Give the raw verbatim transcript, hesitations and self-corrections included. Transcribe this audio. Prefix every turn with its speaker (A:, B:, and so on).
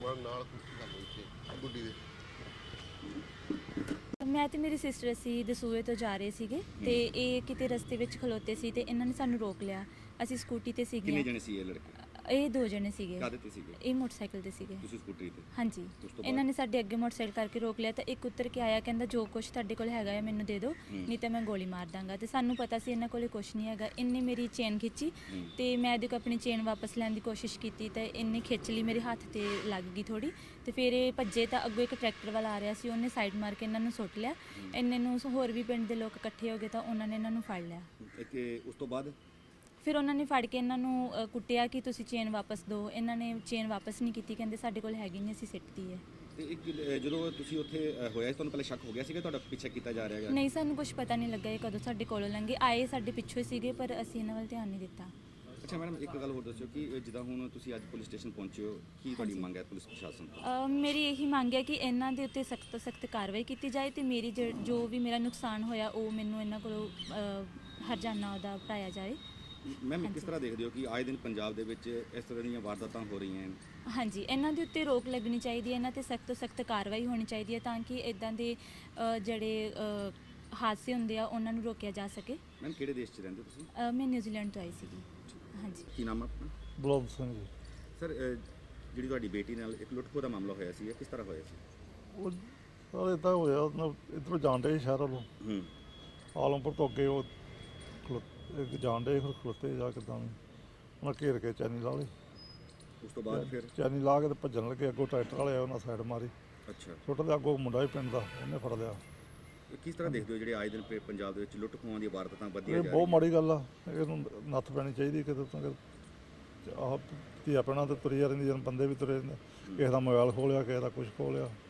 A: ਤੁਹਾਡੇ ਨਾਲ ਗੱਲ ਹੋਈ ਸੀ ਗੁੱਡੀ ਦੇ?
B: ਮੈਂ ਤੇ ਮੇਰੀ ਸਿਸਟਰ ਅਸੀਂ ਦਸੂਹੇ ਤੋਂ ਜਾ ਰਹੇ ਸੀਗੇ ਤੇ ਇਹ ਕਿਤੇ ਰਸਤੇ ਵਿੱਚ ਖਲੋਤੇ ਸੀ ਤੇ ਇਹਨਾਂ ਨੇ ਸਾਨੂੰ ਰੋਕ ਲਿਆ। ਅਸੀਂ ਸਕੂਟੀ ਤੇ ਸੀਗੇ।
C: ਕਿੰਨੇ ਜਣੇ ਸੀ ਇਹ ਲੜਕੇ?
B: ਇਹ ਦੋ ਜਣੇ ਸੀਗੇ।
C: ਕਾਹਦੇ ਤੇ ਸੀਗੇ?
B: ਇਹ ਮੋਟਰਸਾਈਕਲ ਤੇ ਸੀਗੇ।
C: ਤੁਸੀਂ ਸਕੂਟਰੀ ਤੇ?
B: ਹਾਂਜੀ। ਇਹਨਾਂ ਨੇ ਸਾਡੇ ਅੱਗੇ ਮੋਟਰਸਾਈਕਲ ਕਰਕੇ ਰੋਕ ਲਿਆ ਤਾਂ ਇੱਕ ਉੱਤਰ ਕੇ ਆਇਆ, ਕਹਿੰਦਾ ਜੋ ਕੁਛ ਤੁਹਾਡੇ ਕੋਲ ਹੈਗਾ ਹੈ ਮੈਨੂੰ ਦੇ ਦਿਓ, ਨਹੀਂ ਤਾਂ ਮੈਂ ਗੋਲੀ ਮਾਰ ਦਾਂਗਾ। ਤੇ ਸਾਨੂੰ ਪਤਾ ਸੀ ਇਹਨਾਂ ਕੋਲੇ ਕੁਛ ਨਹੀਂ ਹੈਗਾ। ਇਹਨੇ ਮੇਰੀ ਚੇਨ ਖਿੱਚੀ ਤੇ ਮੈਂ ਇਹਦੇ ਕੋਲ ਆਪਣੀ ਚੇਨ ਵਾਪਸ ਲੈਣ ਦੀ ਕੋਸ਼ਿਸ਼ ਕੀਤੀ ਤਾਂ ਇਹਨੇ ਖਿੱਚ ਲਈ, ਮੇਰੇ ਹੱਥ ਤੇ ਲੱਗ ਗਈ ਥੋੜੀ ਤੇ ਫਿਰ ਇਹ ਭੱਜੇ ਤਾਂ ਅੱਗੋਂ ਇੱਕ ਟਰੈਕਟਰ ਵਾਲਾ ਆ ਰਿਹਾ ਸੀ, ਉਹਨੇ ਸਾਈਡ ਮਾਰ ਕੇ ਇਹਨਾਂ ਨੂੰ ਸੁੱਟ ਲਿਆ। ਇੰਨੇ ਨੂੰ ਹੋਰ ਵੀ ਪਿੰਡ ਦੇ ਲੋਕ ਇਕੱਠੇ ਹੋ ਗਏ ਤਾਂ ਉਹਨਾਂ ਨੇ ਇਹਨਾਂ ਨੂੰ ਫੜ ਲਿਆ।
C: ਕਿ ਉਸ ਤੋਂ ਬਾਅਦ
B: ਫਿਰ ਉਹਨਾਂ ਨੇ ਫੜ ਕੇ ਇਹਨਾਂ ਨੂੰ ਅ, ਕੁੱਟਿਆ ਕਿ ਤੁਸੀਂ ਚੇਨ ਵਾਪਸ ਦਿਓ। ਇਹਨਾਂ ਨੇ ਚੇਨ ਵਾਪਸ ਨਹੀਂ ਕੀਤੀ, ਕਹਿੰਦੇ ਸਾਡੇ ਕੋਲ ਹੈਗੀ ਨਹੀਂ, ਅਸੀਂ ਸਿੱਟਤੀ ਹੈ।
C: ਤੇ ਇੱਕ ਅ, ਜਦੋਂ ਤੁਸੀਂ ਉੱਥੇ ਅ, ਹੋਇਆ ਸੀ ਤੁਹਾਨੂੰ ਪਹਿਲੇ ਸ਼ੱਕ ਹੋ ਗਿਆ ਸੀਗਾ ਤੁਹਾਡਾ ਪਿੱਛਾ ਕੀਤਾ ਜਾ ਰਿਹਾ ਹੈਗਾ?
B: ਨਹੀਂ, ਸਾਨੂੰ ਕੁਝ ਪਤਾ ਨਹੀਂ ਲੱਗਾ ਇਹ ਕਦੋਂ ਸਾਡੇ ਕੋਲੋਂ ਲੰਘੇ। ਆਏ ਸਾਡੇ ਪਿੱਛੋਂ ਹੀ ਸੀਗੇ ਪਰ ਅਸੀਂ ਇਹਨਾਂ ਵੱਲ ਧਿਆਨ ਨਹੀਂ ਦਿੱਤਾ।
C: ਅੱਛਾ ਮੈਡਮ, ਇੱਕ ਗੱਲ ਹੋਰ ਦੱਸਿਓ ਕਿ ਜਿੱਦਾਂ ਹੁਣ ਤੁਸੀਂ ਅੱਜ ਪੁਲਿਸ ਸਟੇਸ਼ਨ ਪਹੁੰਚੇ ਹੋ, ਕੀ ਤੁਹਾਡੀ ਮੰਗ ਹੈ ਪੁਲਿਸ ਪ੍ਰਸ਼ਾਸਨ ਤੋਂ?
B: ਅ, ਮੇਰੀ ਇਹੀ ਮੰਗ ਹੈ ਕਿ ਇਹਨਾਂ ਦੇ ਉੱਤੇ ਸਖਤ ਤੋਂ ਸਖਤ ਕਾਰਵਾਈ ਕੀਤੀ ਜਾਏ ਤੇ ਮੇਰੀ ਜ- ਜੋ ਵੀ ਮੇਰਾ ਨੁਕਸਾਨ ਹੋਇਆ ਉਹ ਮੈਨੂੰ ਇਹਨਾਂ ਕੋਲੋਂ ਅ, ਹਰਜਾਨਾ ਉਹਦਾ ਭਰਾਇਆ ਜਾਏ।
C: ਮੈਮ ਕਿਸ ਤਰ੍ਹਾਂ ਦੇਖਦੇ ਹੋ ਕਿ ਆਏ ਦਿਨ ਪੰਜਾਬ ਦੇ ਵਿੱਚ ਇਸ ਤਰ੍ਹਾਂ ਦੀਆਂ ਵਾਰਦਾਤਾਂ ਹੋ ਰਹੀਆਂ ਹਨ?
B: ਹਾਂਜੀ, ਇਹਨਾਂ ਦੇ ਉੱਤੇ ਰੋਕ ਲੱਗਣੀ ਚਾਹੀਦੀ ਹੈ, ਇਹਨਾਂ ਤੇ ਸਖਤ ਤੋਂ ਸਖਤ ਕਾਰਵਾਈ ਹੋਣੀ ਚਾਹੀਦੀ ਹੈ ਤਾਂ ਕਿ ਇਦਾਂ ਦੇ ਅ, ਜਿਹੜੇ ਅ, ਹਾਦਸੇ ਹੁੰਦੇ ਆ ਉਹਨਾਂ ਨੂੰ ਰੋਕਿਆ ਜਾ ਸਕੇ।
C: ਮੈਮ ਕਿਹੜੇ ਦੇਸ਼ 'ਚ ਰਹਿੰਦੇ ਹੋ ਤੁਸੀਂ?
B: ਅ, ਮੈਂ ਨਿਊਜ਼ੀਲੈਂਡ ਤੋਂ ਆਈ ਸੀਗੀ। ਹਾਂਜੀ।
C: ਕੀ ਨਾਮ ਹੈ ਆਪਣਾ?
D: ਬਲੌਬ ਸਿੰਘ ਜੀ।
C: ਸਰ ਜਿਹੜੀ ਤੁਹਾਡੀ ਬੇਟੀ ਨਾਲ ਇੱਕ ਲੁੱਟਖੋ ਦਾ ਮਾਮਲਾ ਹੋਇਆ ਸੀ, ਇਹ ਕਿਸ ਤਰ੍ਹਾਂ ਹੋਇਆ ਸੀ?
D: ਉਹ ਸਰ ਇੱਦਾਂ ਹੋਇਆ, ਉਹਨਾਂ ਇੱਧਰੋਂ ਜਾਣ ਡੇ ਸ਼ਹਿਰ ਵੱਲੋਂ
C: ਹੂੰ
D: ਆਲਮਪੁਰ ਤੋਂ ਅੱਗੇ ਉਹ ਖਲੋ ਇੱਕ ਜਾਣ ਡੇ ਫਿਰ ਖਲੋਤੇ ਜਾ ਕਿੱਦਾਂ ਵੀ ਉਹਨਾਂ ਘੇਰ ਕੇ ਚੈਨੀ ਲਾ ਲਈ।
C: ਉਸ ਤੋਂ ਬਾਅਦ ਫਿਰ?
D: ਚੈਨੀ ਲਾ ਕੇ ਤੇ ਭੱਜਣ ਲੱਗੇ, ਅੱਗੋਂ ਟਰੈਕਟਰ ਵਾਲੇ ਆਏ ਉਹਨਾਂ ਸਾਈਡ ਮਾਰੀ।
C: ਅੱਛਾ।
D: ਛੋਟੇ ਦੇ ਅੱਗੋਂ ਮੁੰਡਾ ਹੀ ਪਿੰਡ ਦਾ, ਉਹਨੇ ਫੜ ਲਿਆ।
C: ਇਹ ਕਿਸ ਤਰ੍ਹਾਂ ਦੇਖਦੇ ਹੋ ਜਿਹੜੇ ਆਏ ਦਿਨ ਪ- ਪੰਜਾਬ ਦੇ ਵਿੱਚ ਲੁੱਟ ਖੋਹਾਂ ਦੀਆਂ ਵਾਰਦਾਤਾਂ ਵੱਧਦੀਆਂ
D: ਇਹ
C: ਜਾ
D: ਬਹੁਤ
C: ਰਹੀਆਂ?
D: ਮਾੜੀ ਗੱਲ ਆ, ਇਹਨੂੰ ਨੱਥ ਪੈਣੀ ਚਾਹੀਦੀ ਕਿਤੇ ਤੋਂ ਕਿ ਆਹ ਧੀਆ ਪੈਣਾ ਤੇ ਤੁਰੀ ਜਾ ਰਹਿੰਦੀ, ਜਨ ਬੰਦੇ ਵੀ ਤੁਰੇ ਰਹਿੰਦੇ, ਕਿਸੇ ਦਾ ਮੋਬਾਈਲ ਖੋਹ ਲਿਆ, ਕਿਸੇ ਦਾ ਕੁਛ ਖੋਹ ਲਿਆ।